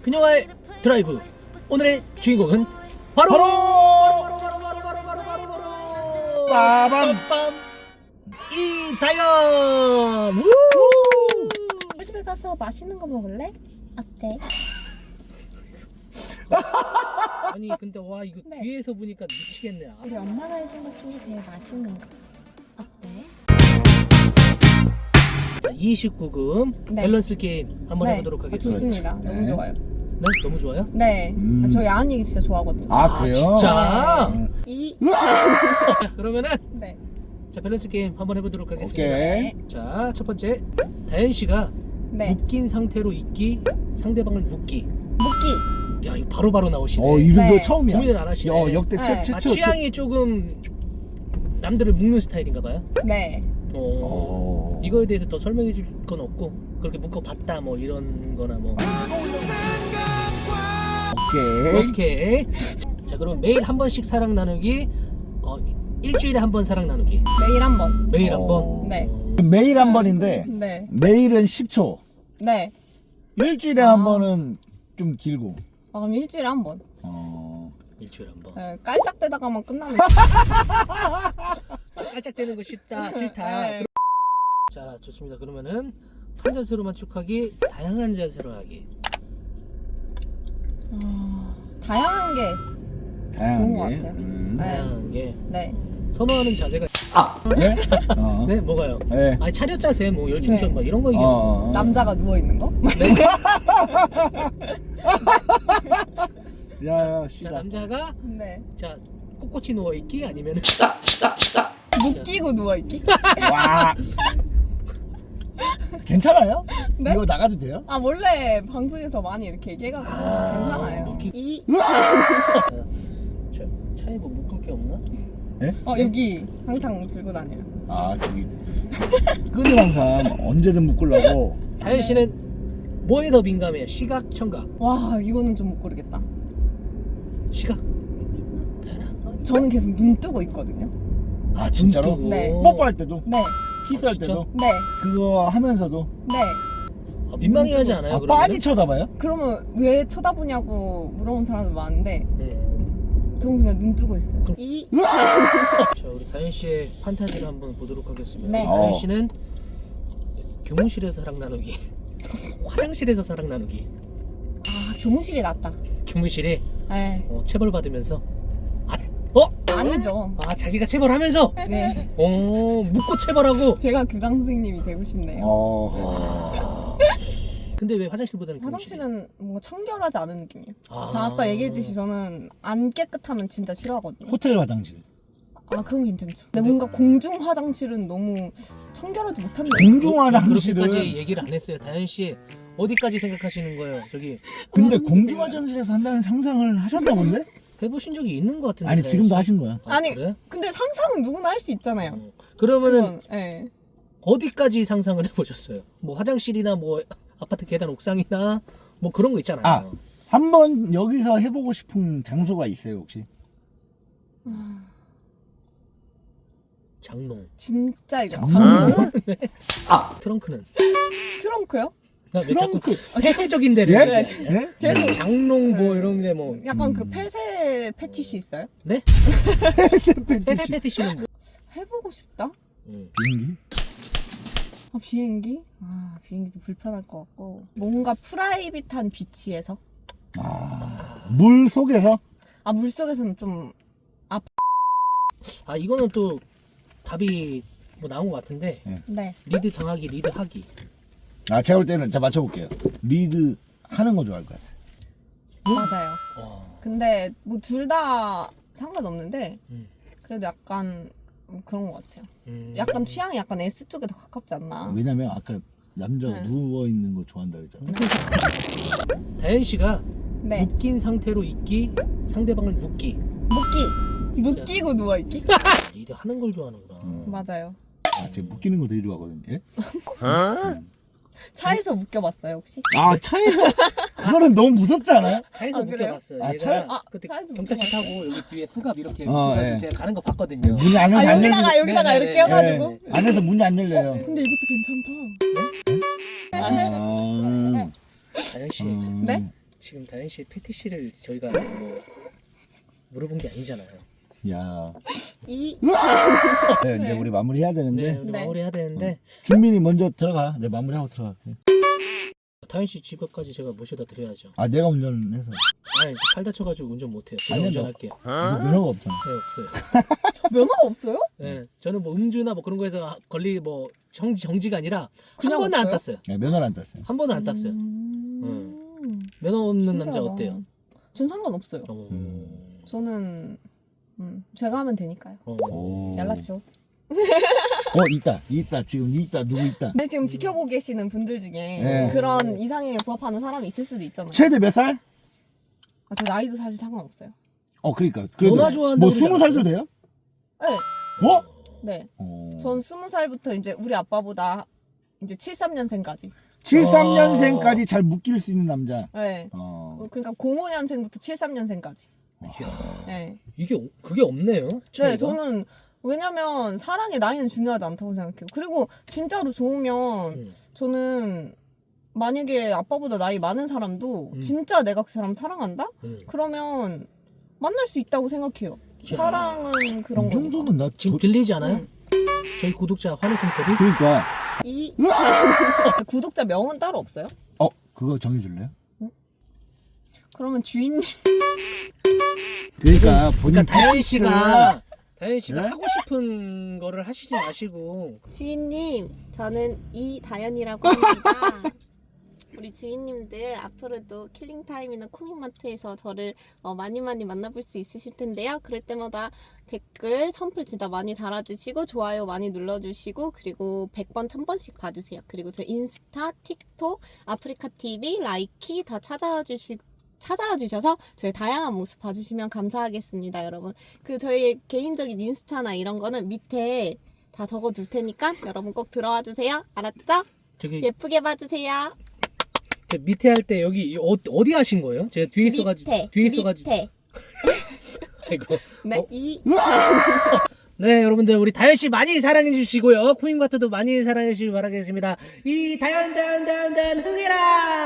그녀와의 드라이브. 오늘의 주인공은 바로 빠밤 이다영. 우리 집에 가서 맛있는 거 먹을래? 어때? 아니 근데 와 이거 네. 뒤에서 보니까 미치겠네. 아, 우리 엄마가 해준 것 중에 제일 맛있는 거 어때? 자, 29금 네. 밸런스 게임 한번 네. 해보도록 하겠습니다. 좋습니다. 네. 너무 좋아요. 네? 너무 좋아요? 네. 저 야한 얘기 진짜 좋아하거든요. 아 그래요? 진짜? 이 자, 그러면은 네. 자 밸런스 게임 한번 해보도록 하겠습니다. 오케이. 자, 첫 번째 다현 씨가 네. 묶인 상태로 있기, 상대방을 묶기. 묶기. 야, 이거 바로바로 나오시네. 이거 네. 처음이야. 고민을 안 하시네. 역대 네. 최초. 아, 취향이 조금 남들을 묶는 스타일인가 봐요. 네. 이거에 대해서 더 설명해 줄 건 없고 그렇게 묶어봤다 뭐 이런 거나 뭐. 오케이. 오케이. 자, 그럼 매일 한 번씩 사랑 나누기, 일주일에 한 번 사랑 나누기. 매일 한 번. 매일 한 어. 번. 네. 매일 한 번인데 네. 매일은 10초. 네. 일주일에 한 번은 좀 길고. 그럼 일주일에 한 번. 일주일에 한 번. 네. 깔짝대다가만 끝나면. 깔짝대는 거 싫다. 네. 자, 좋습니다. 그러면은 한 자세로만 축하기, 다양한 자세로 하기. 다양한 게 좋은 것 같아요. 네. 다양한 게 네. 선호하는 자세가. 네? 네, 뭐가요? 네. 아니 차렷 자세, 뭐 열중전, 네. 막 이런 거 얘기하는. 남자가 누워 있는 거? 네. 야, 자, 씨다. 남자가 네. 자 꼿꼿이 누워 있기 아니면 묶이고 누워 있기? 와. 괜찮아요? 네? 이거 나가도 돼요? 아 원래 방송에서 많이 이렇게 얘기해가지고 괜찮아요. 묶이- 이 차에 뭐 묶을 게 없나? 여기 항상 들고 다녀요. 저기 끈을 항상 언제든 묶으려고. 다현 씨는 뭐에 더 민감해요? 시각, 청각? 와 이거는 좀 못 고르겠다. 시각. 다현아. 저는 계속 눈 뜨고 있거든요. 진짜로? 눈 뜨고. 네. 뽀뽀할 때도, 네, 키스할 진짜? 때도, 네, 그거 하면서도. 네. 민망해하지 않아요? 빤히 쳐다봐요? 그러면 왜 쳐다보냐고 물어본 사람들 많은데 네. 저는 그냥 눈 뜨고 있어요. 그럼- 이 자, 우리 다현 씨의 판타지를 한번 보도록 하겠습니다. 네. 다현 씨는 교무실에서 사랑 나누기, 화장실에서 사랑 나누기. 교무실이 낫다. 교무실에 네, 체벌 받으면서 아니죠. 자기가 체벌하면서 네, 묶고 체벌하고. 제가 교장 선생님이 되고 싶네요. 근데 왜 화장실보다는 교무실? 화장실은 뭔가 청결하지 않은 느낌이에요. 아. 저 아까 얘기했듯이 저는 안 깨끗하면 진짜 싫어하거든요. 호텔 화장실. 그건 괜찮죠. 근데 뭔가 공중 화장실은 너무 청결하지 못한 느낌. 공중 화장실은. 그렇게까지 얘기를 안 했어요. 다현 씨 어디까지 생각하시는 거예요? 저기 근데 공중 화장실에서 한다는 상상을 하셨나 본데? 해보신 적이 있는 것 같은데. 아니 다현 지금도 씨? 하신 거야. 아니, 그래? 근데 상상은 누구나 할 수 있잖아요. 그러면은 네. 어디까지 상상을 해보셨어요? 뭐 화장실이나 뭐 아파트 계단 옥상이나 뭐 그런 거 있잖아요. 한번 여기서 해보고 싶은 장소가 있어요 혹시? 장롱. 진짜 이거 장난? 장롱? 트렁크는? 트렁크요? 왜 자꾸 트렁크. 폐쇄적인 데를 예? 해? 예? 계속 장롱 뭐 이런 데 뭐. 약간 그 폐쇄 패티시 있어요? 네? 폐쇄 폐쇄 패티시. 패티시는 뭐? 해보고 싶다? 비행기? 비행기? 비행기도 불편할 것 같고 뭔가 프라이빗한 비치에서 물 속에서? 물속에서는 좀 이거는 또 답이 뭐 나온 것 같은데. 네. 리드 당하기, 리드 하기. 제가 볼 때는 맞춰볼게요. 리드 하는 거 좋아할 것 같아. 맞아요. 근데 뭐 둘 다 상관없는데 그래도 약간 그런 것 같아요. 약간 취향이 약간 S 쪽에 더 가깝지 않나. 왜냐면 아까 남자가 네. 누워 있는 거 좋아한다 그랬잖아. 다현 씨가 네. 묶인 상태로 있기, 상대방을 묶기. 묶이고 누워 있기? 리드 하는 걸 좋아하는구나. 맞아요. 제가 묶이는 거 되게 좋아하거든요. 예? 차에서 묶여봤어요 혹시? 차에서 그거는 너무 무섭지 않아요? 차에서 그래요? 묶여봤어요. 차에? 얘가 그때 차에서 경찰차 묶여봤어요? 타고 여기 뒤에 수갑 이렇게 예. 묶어가지고 제가 가는 거 봤거든요. 문이 안에서 안 열리고. 여기다가 네, 이렇게 네, 해가지고. 네. 안에서 문이 안 열려요. 근데 이것도 괜찮다. 다현 씨, 네? 지금 다현 씨 패티시를 저희가 뭐 물어본 게 아니잖아요. 야. 이 네, 이제 우리 마무리해야 되는데. 네, 우리 네. 마무리해야 되는데 준민이 먼저 들어가. 내 마무리하고 들어갈게. 다현 씨 집까지 제가 모셔다 드려야죠. 아 내가 운전해서. 아, 이제 팔 다쳐가지고 운전 못해요. 제가 아니요, 운전할게요. 이거 면허가 없잖아. 네, 없어요. 면허가 없어요? 네, 저는 뭐 음주나 뭐 그런 거에서 뭐 정지가 아니라 한 그냥 번은 안 없어요? 땄어요. 네, 면허를 안 땄어요. 한 번은 안 땄어요. 면허 없는 남자 신기하다. 어때요? 전 상관없어요. 어. 저는 제가 하면 되니까요. 오. 연락줘. 있다. 지금 있다. 누구 있다. 근데 지금 지켜보고 계시는 분들 중에 네. 그런 이상형에 부합하는 사람이 있을 수도 있잖아요. 최대 몇 살? 아, 저 나이도 사실 상관없어요. 그러니까. 그래도 너나 좋아한다고 뭐 그러지 20살도 돼요? 네. 어? 네. 어. 전 20살부터 이제 우리 아빠보다 이제 73년생까지. 73년생까지 잘 묶일 수 있는 남자. 네. 그러니까 05년생부터 73년생까지. 이야, 네. 그게 없네요. 차이가? 네, 저는 왜냐면 사랑의 나이는 중요하지 않다고 생각해요. 그리고 진짜로 좋으면 저는 만약에 아빠보다 나이 많은 사람도 진짜 내가 그 사람 사랑한다? 그러면 만날 수 있다고 생각해요. 야. 사랑은 그런 이 거. 정도면 나 지금 들리지 않아요? 저희 구독자 환호성 소리? 그러니까 이 구독자 명은 따로 없어요? 그거 정해줄래요? 그러면 주인님 그러니까 본인 그러니까 다현 씨가 네? 하고 싶은 거를 하시지 마시고 주인님, 저는 이다연이라고 합니다. 우리 주인님들 앞으로도 킬링타임이나 코믹마트에서 저를 많이 만나볼 수 있으실 텐데요. 그럴 때마다 댓글, 선플 진짜 많이 달아주시고 좋아요 많이 눌러주시고 그리고 100번, 1000번씩 봐주세요. 그리고 저 인스타, 틱톡, 아프리카TV, 라이키 다 찾아와 주셔서 저희 다양한 모습 봐주시면 감사하겠습니다, 여러분. 저희 개인적인 인스타나 이런 거는 밑에 다 적어둘 테니까 여러분 꼭 들어와 주세요. 알았죠? 저기 예쁘게 봐주세요. 저 밑에 할 때 여기 어디 하신 거예요? 제가 뒤에 있어가지고 밑에. 아이고. 네, 네, 여러분들 우리 다현 씨 많이 사랑해 주시고요. 코믹마트도 많이 사랑해 주시기 바라겠습니다. 이 다현 흥해라.